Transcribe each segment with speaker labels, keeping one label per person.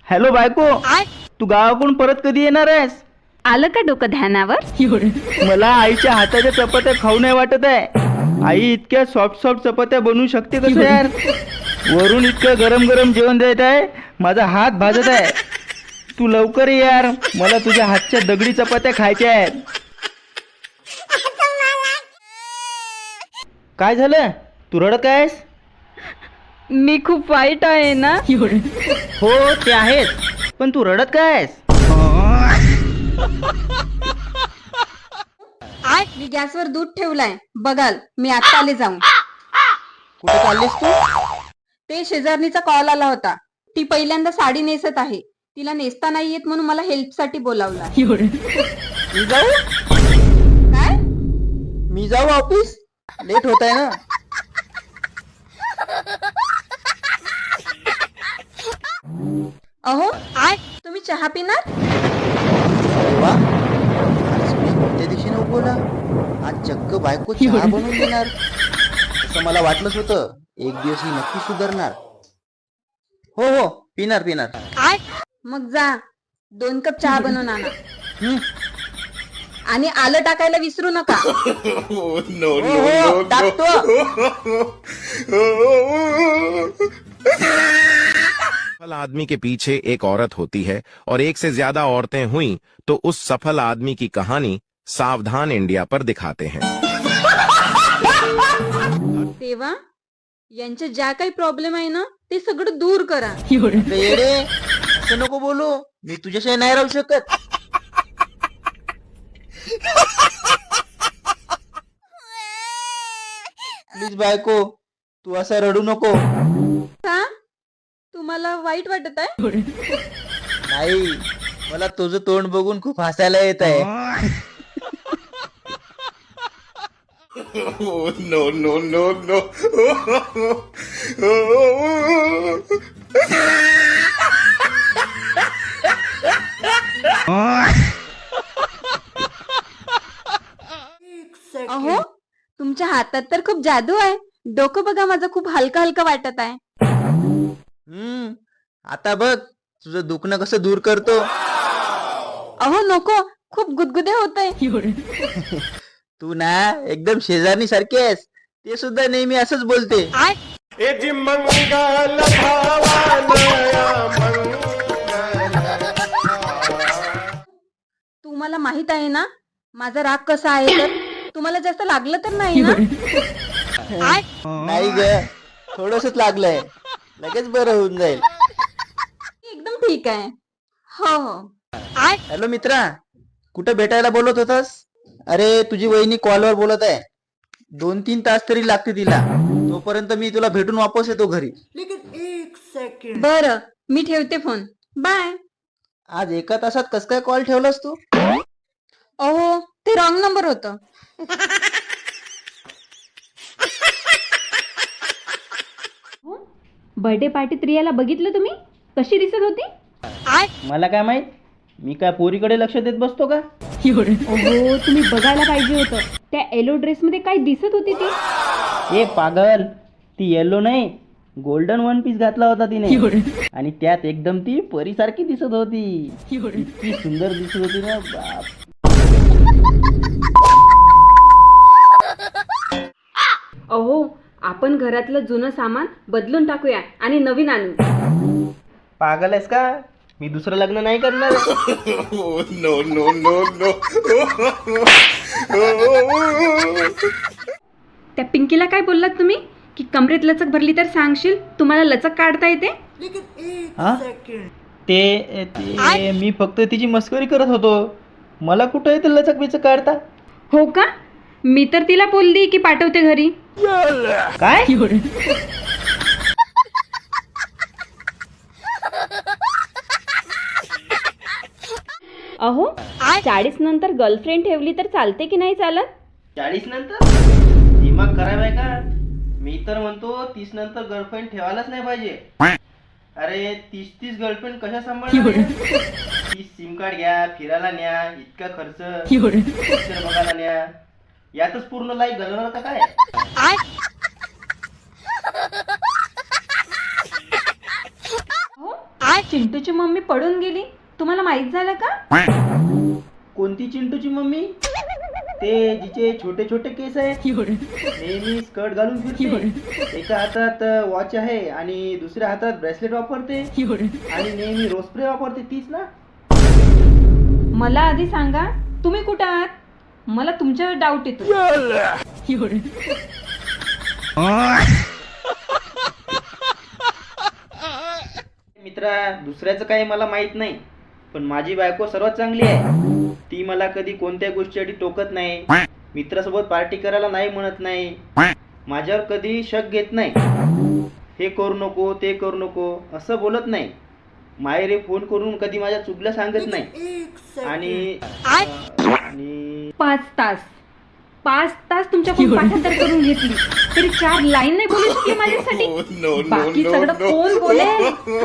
Speaker 1: Hello बायको, तू गावाकडून परत कधी येणार आहेस?
Speaker 2: आलं का डोकं ध्यानावर?
Speaker 1: मला आईच्या हाताच्या चपात्या खाऊ नाही वाटत आहे. आई इतक्या सॉफ्ट सॉफ्ट चपात्या बनवू शकते कसं यार? वरून इतकं गरम गरम जेवण देत आहे, माझा हात भाजत आहे. तू लवकर ये यार, मला तुझ्या हातच्या दगडी चपात्या खायच्या आहेत. काय झालं? तू रडत आहेस?
Speaker 2: मी खूप वाईट आहे ना?
Speaker 1: हो ते आहेस, पण तू रडत काय आहेस?
Speaker 2: मी गॅसवर दूध ठेवलाय, बघाल. मी आता आले जाऊन.
Speaker 1: कुठे चाललीस तू?
Speaker 2: ते शेजारणीचा कॉल आला होता. ती पहिल्यांदा साडी नेसत आहे. तिला नेसता नाही येत म्हणून मला हेल्प साठी बोलावला.
Speaker 1: मी जाऊ?
Speaker 2: काय?
Speaker 1: मी जाऊ ऑफिस? लेट होत आहे ना.
Speaker 2: अहो तुम्ही चहा पिणार?
Speaker 1: वा, आज मी कोणत्या दिवशी बोला, आज चक्क बायको चहा बनवून देणार असं मला वाटलंच होतं. एक दिवस ही नक्की सुधारणार. हो हो, पिणार पिणार.
Speaker 2: मग जा 2 कप चहा बनवून आणा. आणि आलं टाकायला विसरू नका.
Speaker 1: हो हो, टाकतो.
Speaker 3: सफल आदमी के पीछे एक औरत होती है और एक से ज्यादा औरतें हुई तो उस सफल आदमी की कहानी सावधान इंडिया पर दिखाते हैं.
Speaker 2: तेव्हा यांच्या ज्या काही प्रॉब्लेम आहे ना ते सगळं दूर करा.
Speaker 1: येडे, असं नको बोलू. मी तुझ्याशिवाय नाही राहू शकत. प्लीज बायको, तू असं रडू नको.
Speaker 2: का? तुम्हाला वाईट वाटत आहे?
Speaker 1: नाही, मला तुझं तोंड बघून खूप हसायला येत आहे.
Speaker 3: No no no no.
Speaker 2: अहो तुमच्या हातात तर खूप जादू आहे. डोकं बघा, माझं खूप हलका हलका वाटत आहे.
Speaker 1: आता बघ तुझं दुखणं कसं दूर करतो.
Speaker 2: अहो नको, खूप गुदगुदे होतंय.
Speaker 1: तू ना एकदम शेजारणी सारखी आहेस. ते सुद्धा नेहमी असंच बोलते.
Speaker 2: तुम्हाला माहित आहे ना माझा राग कसा आहे तर? तुम्हाला जास्त लागलं तर नाही ना?
Speaker 1: नाही ग, थोडंसच लागलंय, लगेच बरं होऊन जाईल.
Speaker 2: एकदम ठीक आहे. हो हो.
Speaker 1: हॅलो मित्रा, कुठं भेटायला बोलत होतास? अरे तुझी वहिनी कॉलवर बोलत आहे. 2-3 तास तरी लागते तिला. तोपर्यंत मी तुला भेटून वापस येतो घरी.
Speaker 2: बरं, मी ठेवते फोन. बाय.
Speaker 1: आज 1 तासात कस काय कॉल ठेवलास तू?
Speaker 2: अहो ते रॉंग नंबर होतं. बर्थडे पार्टीत रियाला बघितलं तुम्ही? कशी दिसत होती?
Speaker 1: मला काय माहित, मी काय पोरीकडे लक्ष देत बसतो का?
Speaker 2: अहो तुम्ही बघायला पाहिजे होतं. त्या येलो ड्रेस मध्ये काय दिसत होती ती?
Speaker 1: ए पागल, ती येलो नाही, गोल्डन वन पीस घातला होता तिने. आणि त्यात एकदम ती परीसारखी दिसत होती. इतकी सुंदर दिसत होती ना, बाप.
Speaker 2: अहो आपण घरातलं जुनं सामान बदलून टाकूया आणि नवीन आणू.
Speaker 1: पागल आहेस का? मी दुसरं लग्न नाही करणार.
Speaker 3: No no no no.
Speaker 2: त्या पिंकीला काय बोललात तुम्ही की कमरेत लचक भरली तर सांगशील? तुम्हाला लचक काढता येते?
Speaker 1: हा? ते मी फक्त तिची मस्करी करत होतो. मला कुठं येते लचक बिचक काढता?
Speaker 2: हो का? मी तर तिला बोलली की पाठवते घरी.
Speaker 1: काय?
Speaker 2: अहो 40 नंतर गर्लफ्रेंड ठेवली तर चालते की नाही चालत?
Speaker 1: 40 नंतर दिमाग खराब आहे का? मी तर म्हणतो 30 नंतर गर्लफ्रेंड ठेवायलाच नाही पाहिजे. अरे 30 गर्लफ्रेंड कशा सांभाळणार? 30 सिम कार्ड घ्या, फिरायला न्या, इतका खर्च, पिक्चर बघायला न्या, यातच पूर्ण लाईफ घालवणार का काय?
Speaker 2: चिंटूची मम्मी पडून गेली, तुम्हाला माहित झालं का?
Speaker 1: कोणती चिंटूची मम्मी? ते जिचे छोटे छोटे केस आहेत, नेहमी स्कर्ट घालून फिरते, एका हातात वॉच आहे आणि दुसऱ्या हातात ब्रेसलेट वापरते आणि नेहमी रोज स्प्रे वापरते, तीच ना?
Speaker 2: मला आधी सांगा, तुम्ही कुठं आहात? मला तुमच्यावर डाऊट येतो.
Speaker 1: मित्रा, दुसऱ्याचं काही मला माहित नाही, पण माझी बायको सर्वात चांगली आहे. ती मला कधी कोणत्या गोष्टीसाठी टोकत नाही, मित्रासोबत पार्टी करायला नाही म्हणत नाही, माझ्यावर कधी शक घेत नाही, हे करू नको ते करू नको असं बोलत नाही, मायरे फोन करून कधी माझ्या चुकल्या सांगत नाही. आणि
Speaker 2: 5 तास तुमच्याकडून पाठांतर करून घेतली तरी 4 लाईन नाही बोलू शकली माझ्यासाठी. बाकी सगळं कोण बोलेल?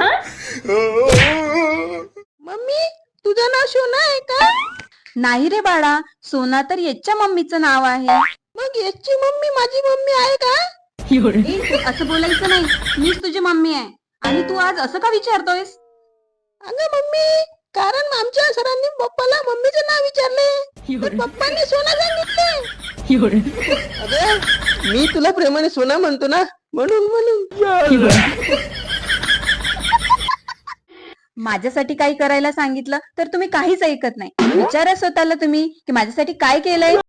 Speaker 4: मम्मी, तुझं नाव सोना आहे का?
Speaker 2: नाही रे बाळा, सोना तर याच्या मम्मीचं नाव आहे.
Speaker 4: मग याची मम्मी माझी मम्मी आहे का?
Speaker 2: ए, असं बोलायचं नाही, मीच तुझी मम्मी आहे. आणि तू आज असं का विचारतोयस?
Speaker 4: अगं मम्मी, कारण आमच्या सरांनी पप्पाला मम्मीचं नाव विचारले, तर पप्पांनी सोना सांगितले. अगं, मी तुला प्रेमाने सोना म्हणतो ना, म्हणून.
Speaker 2: माझ्यासाठी काही करायला सांगितलं तर तुम्ही काहीच ऐकत नाही. विचारा स्वतःला तुम्ही की माझ्यासाठी काय केलंय.